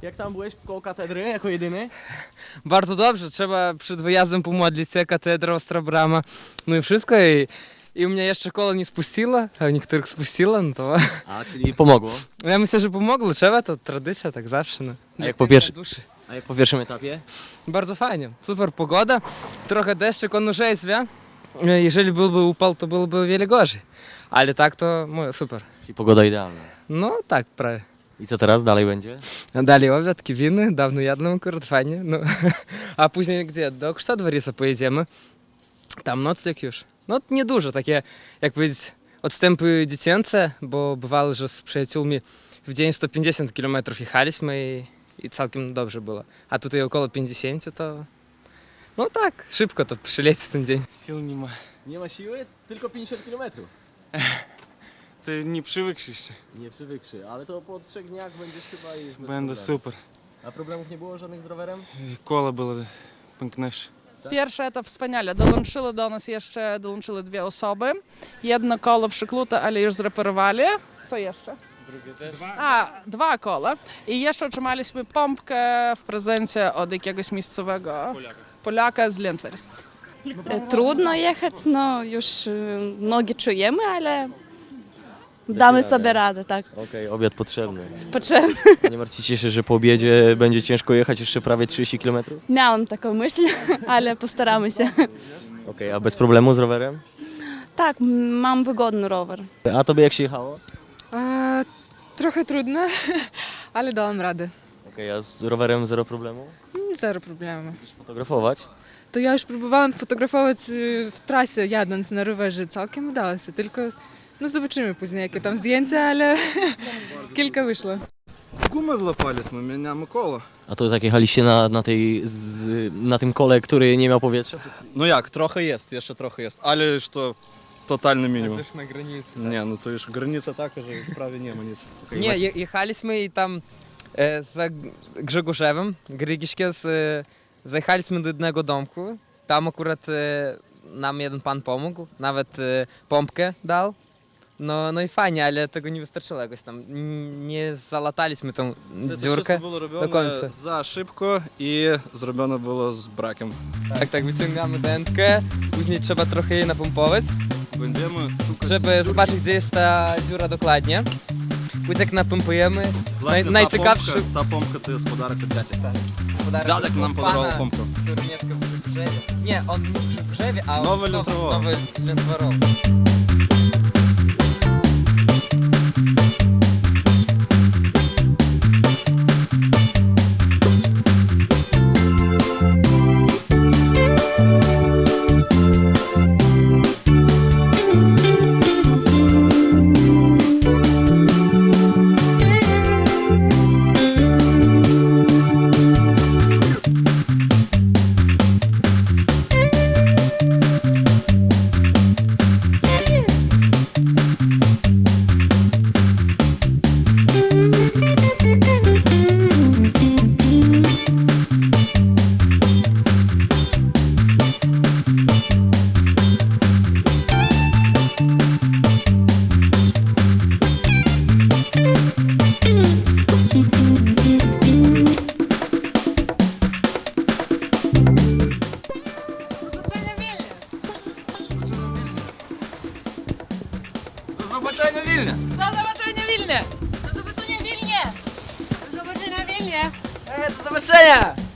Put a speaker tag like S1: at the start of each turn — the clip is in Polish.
S1: Jak tam byłeś koło katedry jako jedyny?
S2: Bardzo dobrze, trzeba przed wyjazdem pomodlić się, katedra, ostra brama, no i wszystko. I u mnie jeszcze koło nie spuściło, a u niektórych spuściło, no to
S1: A, czyli pomogło.
S2: ja myślę, że pomogło, trzeba, to tradycja, tak zawsze. No.
S1: A jak po pierwszym etapie?
S2: Bardzo fajnie, super pogoda, trochę deszczyk, on уже jest, jeżeli byłby upał, to byłoby o wiele gorzej, ale tak to super.
S1: Czyli pogoda idealna.
S2: No tak, prawie.
S1: I co teraz dalej będzie?
S2: A dalej obiad, winy, dawno jadłem, akurat fajnie, no. A później gdzie? Do Kształt pojedziemy, tam nocleg już. No niedużo, takie, jak powiedzieć, odstępy dziecięce, bo bywało, że z przyjaciółmi w dzień 150 km jechaliśmy i całkiem dobrze było. A tutaj około 50 to... No tak, szybko to przyleci ten dzień.
S3: Сил нема.
S1: Nie ma siły, tylko 50 km.
S3: Ty nie przywykł jeszcze.
S1: Nie przywykszy, ale to po 3 dniach będziesz chyba już bez
S3: Będę
S1: problemu.
S3: super.
S1: A problemów nie było żadnych z rowerem?
S3: Koło było pęknęwsze.
S4: Pierwsze to wspaniale. Do nas jeszcze dołączyły 2 osoby. Jedno koło przyklute, ale już zreperowali. Co jeszcze?
S3: Drugie też.
S4: A, 2 koła. I jeszcze otrzymaliśmy pompkę w prezencie od jakiegoś miejscowego Polaka z Lentwers.
S5: Trudno jechać, no już nogi czujemy, ale damy sobie radę, tak.
S1: Okej, obiad potrzebny.
S5: Potrzebne.
S1: A nie martwicie się, że po obiedzie będzie ciężko jechać jeszcze prawie 30 km?
S5: Miałam taką myśl, ale postaramy się.
S1: Okej, a bez problemu z rowerem?
S5: Tak, mam wygodny rower.
S1: A tobie jak się jechało?
S6: Trochę trudne, ale dałam radę.
S1: Okej, a z rowerem zero problemu?
S6: Zero problemu.
S1: Chcesz fotografować?
S6: To ja już próbowałam fotografować w trasie jadąc na rowerze, całkiem udało się, tylko no zobaczymy później jakie tam zdjęcia, ale kilka wyszło.
S7: Gumę złapaliśmy, mieniamy koło.
S1: A to tak jechaliście na tym kole, który nie miał powietrza?
S7: No jak, trochę jest, jeszcze trochę jest, ale już to totalny minimum.
S2: Też na granicy.
S7: Nie, no to już granica taka, że już prawie nie ma nic.
S2: Nie, jechaliśmy i tam za Grzegorzewem, Grygiszkie, zajechaliśmy do jednego domku. Tam akurat nam jeden pan pomógł, nawet pompkę dał. No i fajnie, ale tego nie wystarczyło jakoś tam. Nie zalataliśmy tą
S7: Це
S2: dziurkę.
S7: wszystko było
S2: do
S7: robione
S2: końca.
S7: za szybko i zrobione było z brakiem.
S2: Tak, wyciągamy dętkę, później trzeba trochę jej napompować,
S7: Będziemy szukać
S2: żeby zobaczyć, gdzie jest ta dziura dokładnie. Później jak napompujemy,
S7: Właśnie
S2: najciekawszy
S7: ta pompka to jest podarek od dziadka.
S2: podarek
S7: Dziadek nam podarował
S2: pana,
S7: pompkę.
S2: który mieszka w Grzewie. Nie, on nie w Grzewie, a
S7: Nowe Lętwarowo.
S2: Nowe Lętwarowo.
S7: Do zobaczenia w Wilnie!
S4: Do zobaczenia w Wilnie!
S5: Do zobaczenia w Wilnie! Do zobaczenia w Wilnie!
S2: Do zobaczenia!